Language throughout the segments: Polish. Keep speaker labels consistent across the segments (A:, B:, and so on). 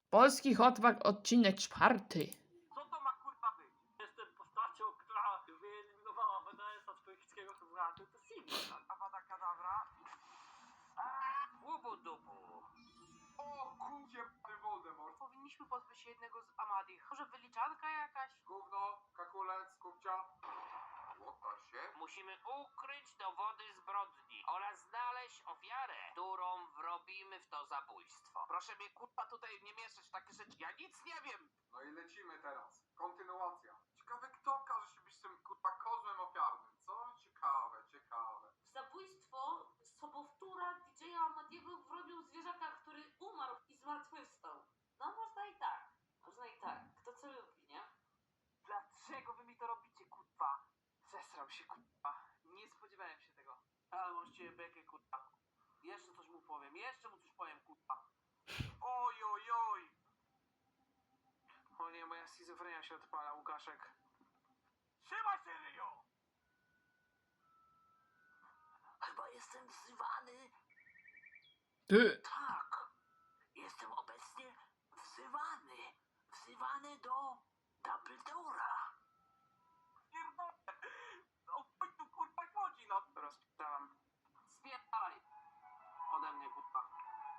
A: Polski Hotwag, odcinek 4.
B: Co to ma kurwa być? Jestem postacią, która wyeliminowała BDS-a z polskiego Hotwagu. To Sigma. Awada Kadabra. Łubu dubu.
C: O kurcie, Voldemort.
D: Powinniśmy pozbyć się jednego z Amadich. Może wyliczanka jakaś?
C: Gówno, kakulec, kupcia. Łota się.
B: Musimy ukryć dowody zbrodni oraz znaleźć ofiarę, którą wrobimy w to zabójstwo. Proszę mnie kurwa tutaj nie mieszać w takie rzeczy. Ja nic nie wiem.
C: No i lecimy teraz. Kontynuacja. Ciekawe kto okaże się być tym kurwa kozłem ofiarnym, co? Ciekawe.
D: Zabójstwo sobowtóra DJ-a Amadiego wrobił zwierzaka, który umarł i zmartwychwstał. No można i tak. Można i tak. Kto co lubi, nie?
B: Dlaczego wy mi to robicie kurwa? Zesrał się kurwa. Nie spodziewałem się tego. Ale mam z ciebie bekę kurwa. Jeszcze coś mu powiem. Jeszcze mu coś powiem kurwa. Oj. O nie, moja schizofrenia się odpala, Łukaszek. Trzymaj się, Ryjo! Chyba jestem wzywany.
A: Ty.
B: Tak. Jestem obecnie wzywany. Wzywany do Dumbledora. Pierdolę. O chuj tu kurwa chodzi, no. Rozpierdalam. Spierdalaj. Ode mnie kurwa.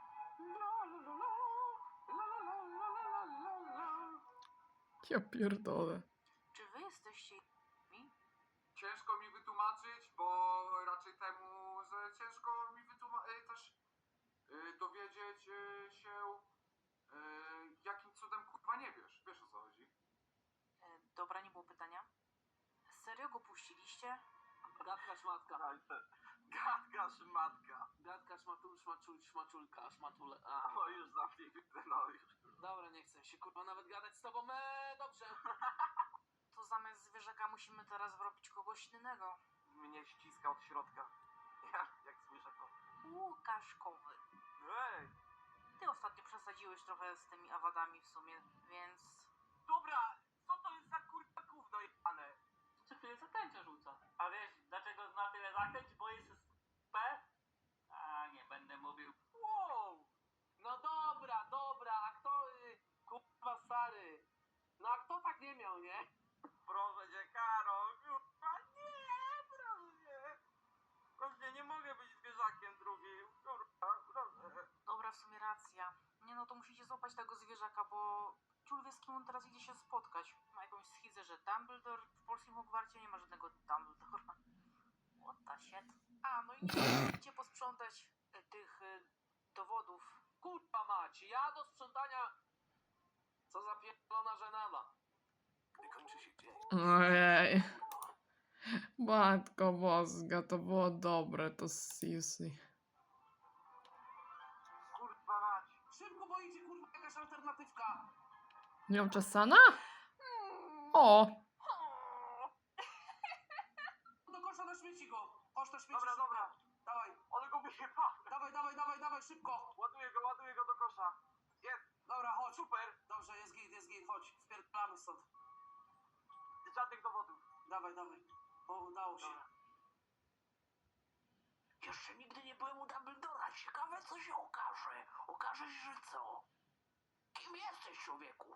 A: Ja pierdolę.
D: Czy wy jesteście mi?
C: Ciężko mi wytłumaczyć, bo raczej temu, że ciężko mi też dowiedzieć się, jakim cudem kurwa nie wiesz. Wiesz o co chodzi?
D: Dobra, nie było pytania. Serio go puściliście?
B: Gadka szmatka. Gadka szmatka. Gadka szmaczulka, szmatule. No już zamknij, no już. Dobra, nie chcę się kurwa nawet gadać z tobą. Dobrze.
D: To zamiast zwierzaka musimy teraz wrobić kogoś innego.
B: Mnie ściska od środka. Jak zwierzako.
D: Łukaszkowy.
B: Ej!
D: Ty ostatnio przesadziłeś trochę z tymi awadami w sumie, więc...
B: Dobra, co to jest za kurwa gówno jebane? Co tyle zaklęcia rzuca? A wiesz, dlaczego zna tyle zaklęć? Bo jest P? A, nie będę mówił. Wow! No dobra, a kto, kurwa stary? No a kto tak nie miał, nie? Proszę cię, Karol, kurwa, nie, proszę. Proszę, nie mogę być zwierzakiem drugim, kurwa, proszę.
D: Dobra, w sumie racja. Nie no, to musicie złapać tego zwierzaka, bo... Ciul wie, z kim on teraz idzie się spotkać. Ma jakąś schizę, że Dumbledore w polskim Hogwarcie nie ma żadnego Dumbledora. What the shit? A, no i nie musicie posprzątać tych dowodów.
B: Kurwa mać, ja do sprzątania. Co za pierdolona żenada. Gdy kończy się dzień.
A: Ojej. Matko boska, to było dobre, to seriously.
B: Kurwa mać. Szybko, bo idzie kurwa jakaś alternatywka.
A: Nie mam czasana? O!
B: Do kosza na śmieci go. Chodź na śmieci. Dobra. Dawaj. Ale go wyjeba. Dawaj, szybko. Ładuję go do kosza. Jest. Dobra, chodź. Super. Dobrze, jest git, chodź. Spierdolamy stąd. Żadnych dowodów. Dawaj. Bo udało się. Dobra. Jeszcze nigdy nie byłem u Dumbledora. Ciekawe, co się okaże. Okaże się, że co? Kim jesteś, człowieku?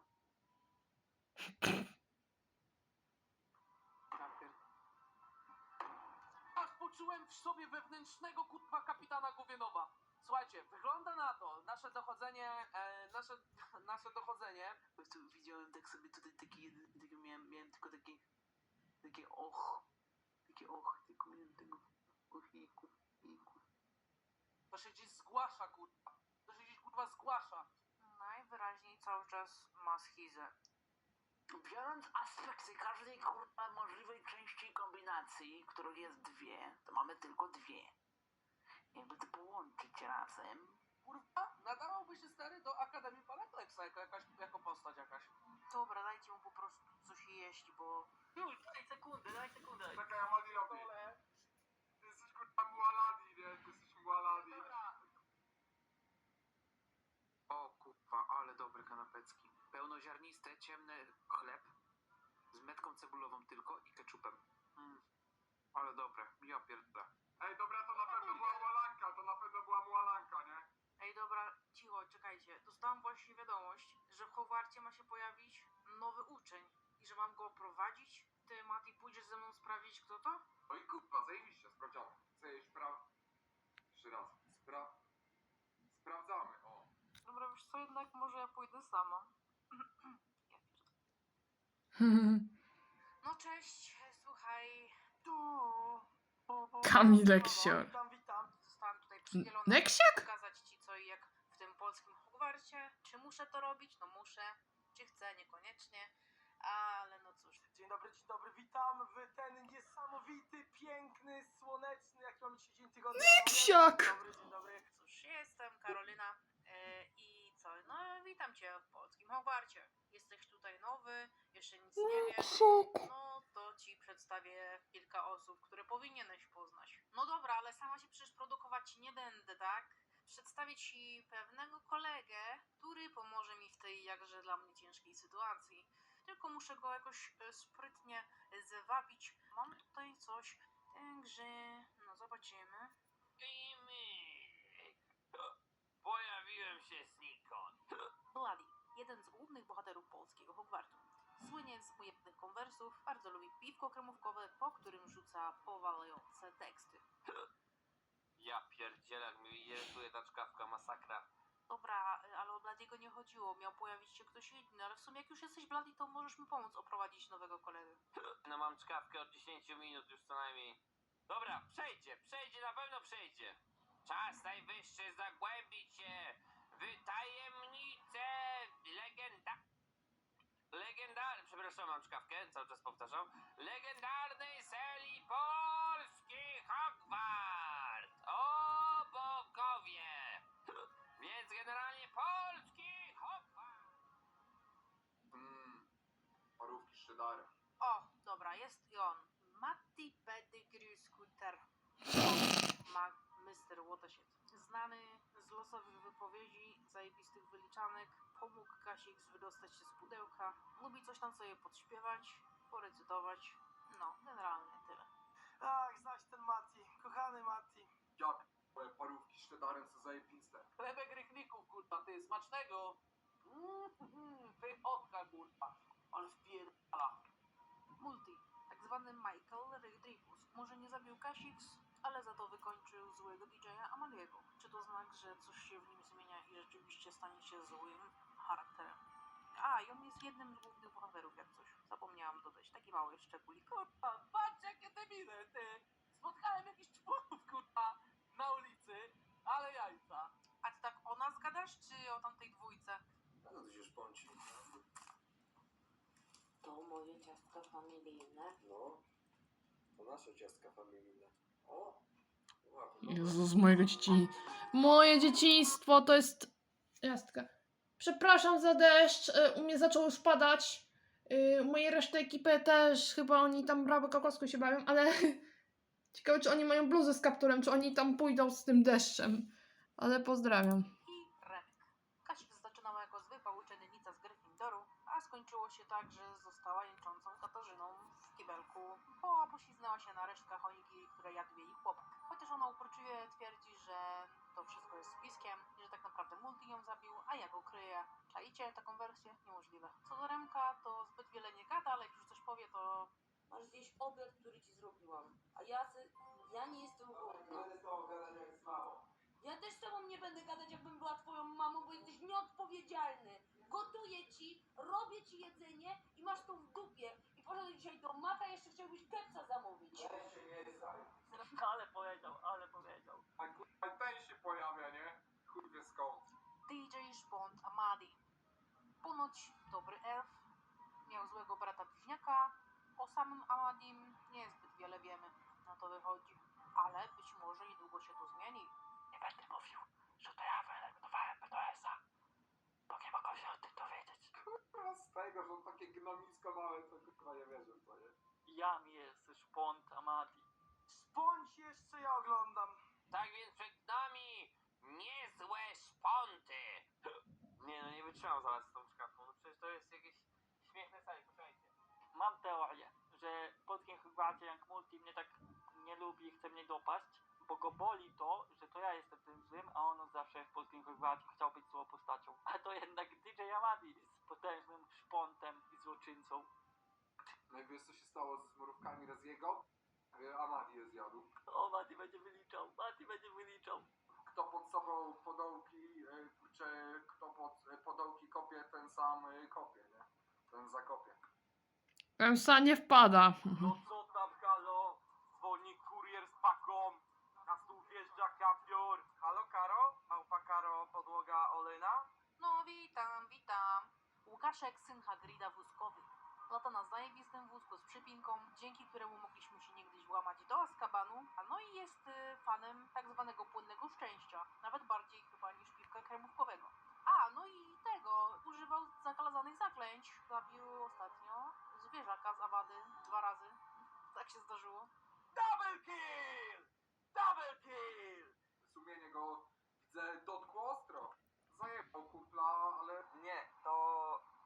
B: Aż poczułem w sobie wewnętrznego kurwa kapitana Gówienowa. Słuchajcie, wygląda na to, nasze dochodzenie, nasze dochodzenie. Po prostu widziałem tak sobie tutaj miałem tylko takie tylko miałem tego ochiku. To się gdzieś zgłasza, kurwa. Zgłasza.
D: Najwyraźniej cały czas ma schizę.
B: Biorąc aspekty każdej kurwa możliwej części kombinacji, których jest dwie, to mamy tylko dwie. Jakby to połączyć razem. Kurwa, nadawałby się stary do Akademii Parapleksa jako postać jakaś.
D: Dobra, dajcie mu po prostu coś jeść, bo...
B: Już, daj sekundę.
C: Czekaj, Amadi robi. Ty jesteś kurwa Mualadi, nie? Ty jesteś Mualadi.
E: O kurwa, ale dobre kanapecki. Pełnoziarniste, ciemny chleb z metką cebulową tylko i keczupem. Ale dobre, ja pierdolę.
C: Ej, dobra, to na pewno była Mualanka, nie?
D: Ej, dobra, cicho, czekajcie. Dostałam właśnie wiadomość, ma się pojawić nowy uczeń i że mam go prowadzić. Ty, Mati, pójdziesz ze mną sprawdzić, kto to?
C: No i kurwa, zajebiście, sprawdziamy. Chcesz Jeszcze raz. Sprawdzamy, o.
D: Dobra, wiesz co, jednak może ja pójdę sama. Ja No cześć, słuchaj.
A: Kamil Leksior.
D: Witam. Zostałam tutaj przydzielona,
A: Leksiak?
D: żeby pokazać ci co i jak w tym polskim Hogwarcie. Czy muszę to robić? No muszę. Czy chcę? Niekoniecznie. Ale no cóż.
F: Dzień dobry, witam w ten niesamowity, piękny, słoneczny, jaki mamy dzisiaj dzień tygodnia.
A: Leksiak!
F: Dzień dobry.
D: Cóż, jestem Karolina i co? No witam cię w polskim Hogwarcie. Jesteś tutaj nowy, jeszcze nic nie wiesz. No to ci przedstawię kilka osób, które powinieneś poznać. No dobra, ale sama się przecież produkować nie będę, tak? Przedstawię ci pewnego kolegę, który pomoże mi w tej jakże dla mnie ciężkiej sytuacji. Tylko muszę go jakoś sprytnie zwabić. Mam tutaj coś, także no zobaczymy.
B: I pojawiłem się znikąd.
D: Bloody, jeden z głównych bohaterów polskiego Hogwartu. Słynie z ujemnych konwersów, bardzo lubi piwko kremówkowe, po którym rzuca powalające teksty.
B: Ja pierdzielę, jak mi irytuje ta czkawka, masakra.
D: Dobra, ale o Bladiego nie chodziło, miał pojawić się ktoś inny, ale w sumie jak już jesteś Bloody, to możesz mi pomóc oprowadzić nowego kolegę.
B: No mam czkawkę od 10 minut już co najmniej. Dobra, przejdzie, na pewno przejdzie. Czas najwyższy zagłębić się w tajemnicę przepraszam, mam czkawkę, cały czas powtarzam. Legendarnej serii polski Hogwart! O bogowie! Więc generalnie polski Hogwart!
C: Parówki z cheddarem.
D: O, dobra, jest i on. Matti Pettigrew Scooter. Mr. Watershed. Znany z losowych wypowiedzi, zajebistych wyliczanek, pomógł Kasix wydostać się z pudełka, lubi coś tam sobie podśpiewać, porecytować. No, generalnie tyle.
F: Tak, znać ten Mati, kochany Mati.
C: Ja parówki z cheddarem są zajebiste.
E: Chlebek rychlików, kurwa, ty, smacznego. Pychotka, kurwa. Ale wpierdala.
D: Multi, tak zwany Michael Rodriguez. Może nie zabił Kasix, ale za to wykończył złego DJ-a Amaliego. Czy to znak, że coś się w nim zmienia i rzeczywiście stanie się złym charakterem? A, i on jest jednym z głównych bohaterów, jak coś. Zapomniałam dodać, taki mały szczególik.
E: Kurwa, patrz jakie debile, ty. Spotkałem jakichś członków, kurwa, na ulicy, ale jajca.
D: A ty tak o nas gadasz, czy o tamtej dwójce?
C: No to się szpąci.
G: To moje ciastka familijne.
C: No, to nasze ciastka familijne. O!
A: Jezus, mojego dzieci. Moje dzieciństwo to jest... Jastka. Przepraszam za deszcz, u mnie zaczął już padać. U mojej reszty ekipy też, chyba oni tam brawo kokosku się bawią, ale... Ciekawe, czy oni mają bluzy z kapturem, czy oni tam pójdą z tym deszczem. Ale pozdrawiam.
D: I Remek. Kasix zaczynała jako zwykła uczennica z Gryffindoru, a skończyło się tak, że została jęczącą Katarzyną w kibelku, bo pośliznęła się na resztkach choniki, które jadł jej chłopak. Chociaż ona uporczywie twierdzi, że to wszystko jest spiskiem i że tak naprawdę Multi ją zabił, a ja go kryję. Czaicie taką wersję? Niemożliwe. Co do Remka, to zbyt wiele nie gada, ale jak już coś powie, to...
G: Masz zjeść obiad, który ci zrobiłam. A ja nie jestem głodna.
C: Będę z tobą gadać jak z mamą.
G: Ja też z tobą nie będę gadać, jakbym była twoją mamą, bo jesteś nieodpowiedzialny. Gotuję ci, robię ci jedzenie i masz to w dupie. I poszedł dzisiaj do Maka, jeszcze chciałbyś kepsa zamówić.
C: Weź się nie saj.
B: Ale powiedział.
C: A kurwa ten się pojawia, nie? Chuj wie skąd.
D: DJ Szpont Amadi. Ponoć dobry elf, miał złego brata bliźniaka. O samym Amadim niezbyt wiele wiemy, na to wychodzi. Ale być może niedługo się to zmieni.
B: Nie będę mówił, że to ja wyeliminowałem BDS-a, bo nie mogą się o tym dowiedzieć.
C: Kurwa z tego, że on takie gnomisko małe, to kurwa nie wierzę, co nie?
B: Jam jest szpont Amadi.
F: Spądź jeszcze, ja oglądam.
B: Tak więc przed nami niezłe szponty. Nie no, nie wytrzymam zaraz z tą czkawką, no przecież to jest jakieś śmieszne sali, posłuchajcie. Mam teorię, że w polskim Hogwarcie jak Multi mnie tak nie lubi i chce mnie dopaść, bo go boli to, że to ja jestem tym złym, a on zawsze w polskim Hogwarcie chciał być złą postacią. A to jednak DJ Amadis. potężnym szpontem i złoczyńcą.
C: No i wiesz co się stało ze mrówkami Reziego? Amadi je zjadł.
B: O, Mati będzie wyliczał, Mati będzie wyliczał.
C: Kto pod sobą podołki, czy kto pod podołki kopie, ten sam kopie, nie? Ten zakopie.
A: Pęsa nie wpada.
F: No co tam, halo? Dzwoni kurier z paką. Na stół wjeżdża kapior. Halo, Karo? Małpa Karo, podłoga olejna?
D: No witam, witam. Łukaszek, syn Hagryda wózkowy. Lata na zajebistym wózku z przypinką, dzięki któremu mogliśmy się niegdyś włamać do Azkabanu, a no i jest fanem tak zwanego płynnego szczęścia, nawet bardziej chyba niż piwka kremówkowego. A, no i tego, używał zakazanych zaklęć, zabił ostatnio zwierzaka z Awady 2 razy. Tak się zdarzyło.
F: Double kill! Double kill!
C: Sumienie go, widzę, dotkło ostro. Zajebał kumpla, ale
F: Nie, to...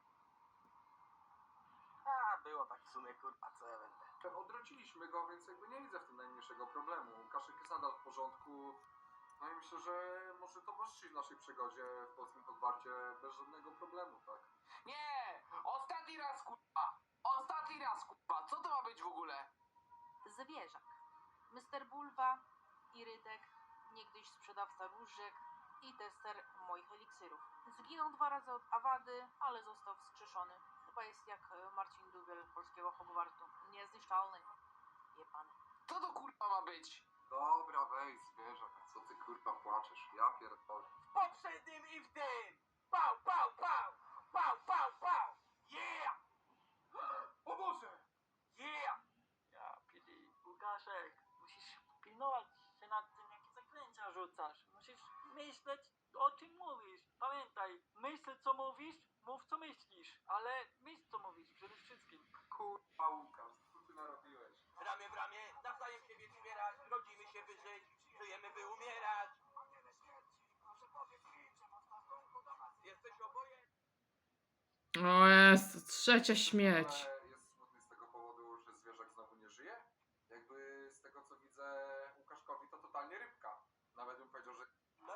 F: A, było tak w sumie, kurwa, co ja będę.
C: odrodziliśmy go, więc jakby nie widzę w tym najmniejszego problemu. Kaszek jest nadal w porządku. No i myślę, że może towarzyszyć w naszej przygodzie w polskim Hogwarcie bez żadnego problemu, tak?
E: Nie! Ostatni raz, kurwa! Ostatni raz, kurwa! Co to ma być w ogóle?
D: Zwierzak. Mr. Bulwa, Irydek, niegdyś sprzedawca różek i tester moich eliksirów. Zginął 2 razy od Awady, ale został wskrzeszony. Chyba jest jak Marcin Dubiel polskiego Hogwartu. Niezniszczalny. Jebany.
E: Co to kurwa ma być?
C: Dobra, weź zwierzak, co ty kurwa płaczesz? Ja pierdolę.
F: W poprzednim i w tym! Pał, pał, pał! Pał, pał, pał! Yeah! O Boże! Yeah!
B: Ja pili. Łukaszek, musisz pilnować się nad tym, jakie zaklęcia rzucasz. Musisz myśleć, o czym mówisz. Pamiętaj, myśl co mówisz, mów co myślisz. Ale myśl co mówisz przede wszystkim.
C: Kurwa Łukasz, co ty narobiłeś?
F: Ramię w ramię, nawzajem siebie wspierać, rodzimy się by żyć, żyjemy by umierać. Jesteś oboje?
A: O jest, trzecia śmierć.
C: Ale jest smutny z tego powodu, że zwierzak znowu nie żyje? Jakby z tego co widzę Łukaszkowi to totalnie rybka. Nawet bym powiedział, że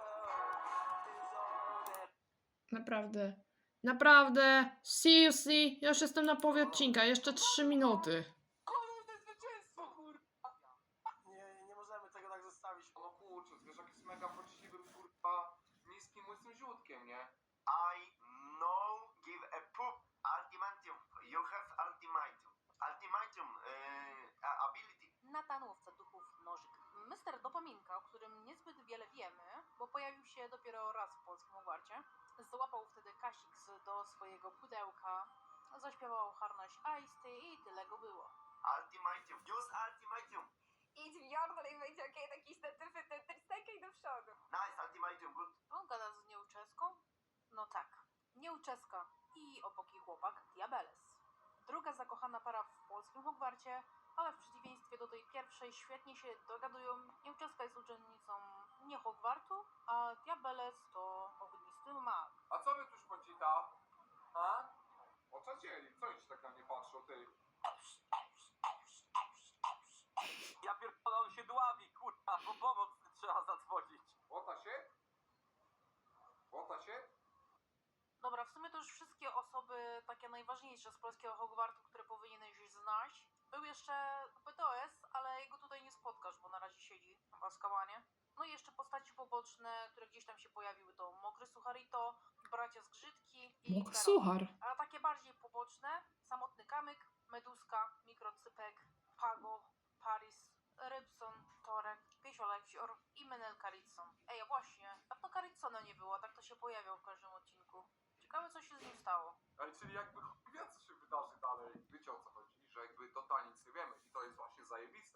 A: Naprawdę. Naprawdę. See. Ja już jestem na połowie odcinka. Jeszcze 3 minuty.
F: Kurde, zwycięstwo, kurwa! Nie możemy tego tak zostawić.
C: no kurczę, zwierzak jest mega poczciwym kurwa niskim łysym ziutkiem, nie?
H: I no give a poop. Ultimatum. You have ultimatum. Ultimatum ability.
D: Natan, łowca duchów, nożyk. Mr. Dopaminka, o którym niezbyt wiele wiemy, bo pojawił się dopiero raz w polskim Hogwarcie, złapał wtedy Kasix do swojego pudełka, zaśpiewał harnaś Ice i tyle go było.
H: Ultimatum. Use ultimatum.
I: Idź w Jordal i będzie okej, taki stekaj do przodu.
H: Nice ultimatum. Good.
D: On gada z nieuczeską? No tak, nieuczeska i opoki chłopak Diabeles. Druga zakochana para w polskim Hogwarcie, ale w przeciwieństwie do tej pierwszej świetnie się dogadują. Nieuczeska jest uczennicą nie Hogwartu, a Diabeles to ognisty mag.
C: A co wy tu szpocita? A? Oczadzieli, co oni tak na mnie patrzą, ty?
F: Ja pierdolę, on się dławi, kurwa, po pomoc trzeba zadzwonić.
C: Łota się? Łota się?
D: Dobra, w sumie to już wszystkie osoby takie najważniejsze z polskiego Hogwartu, które powinieneś znać. Był jeszcze BTOS, ale jego tutaj nie spotkasz, bo na razie siedzi w Azkabanie. No i jeszcze postaci poboczne, które gdzieś tam się pojawiły, to Mokry Sucharito, Bracia Zgrzytki i
A: Mokry
D: Karol.
A: suchar.
D: A takie bardziej poboczne, Samotny Kamyk, Meduska, Mikrocypek, Pago, Paris, Rybson, Torek, Piesiolecior i Menel Caritson. Ej, a właśnie, a to Caritsona nie było, tak to się pojawiał w każdym odcinku. Ciekawe, co się z nim stało.
C: Ale czyli jakby chuj wie, co się wydarzy dalej. Wiecie o co chodzi? Że jakby totalnie nic nie wiemy i to jest właśnie zajebiste.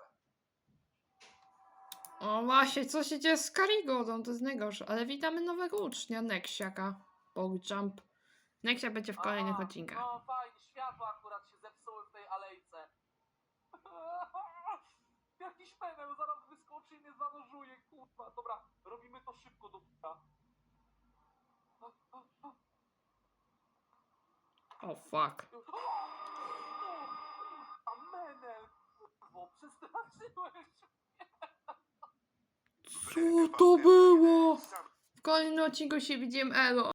A: O właśnie, co się dzieje z Karigodą? To jest najgorsze. Ale witamy nowego ucznia, Neksiaka. Pogjump. Neksia będzie w kolejnych odcinkach.
F: No fajnie, światła akurat się zepsuły w tej alejce. Jakiś peweł zaraz wyskoczy i mnie zanożuje, kurwa. Dobra, robimy to szybko do p***a.
A: O fuck.
F: A Menel, kurwo, przestraszyłeś.
A: Co to było? W kolejnym odcinku się widzimy, elo.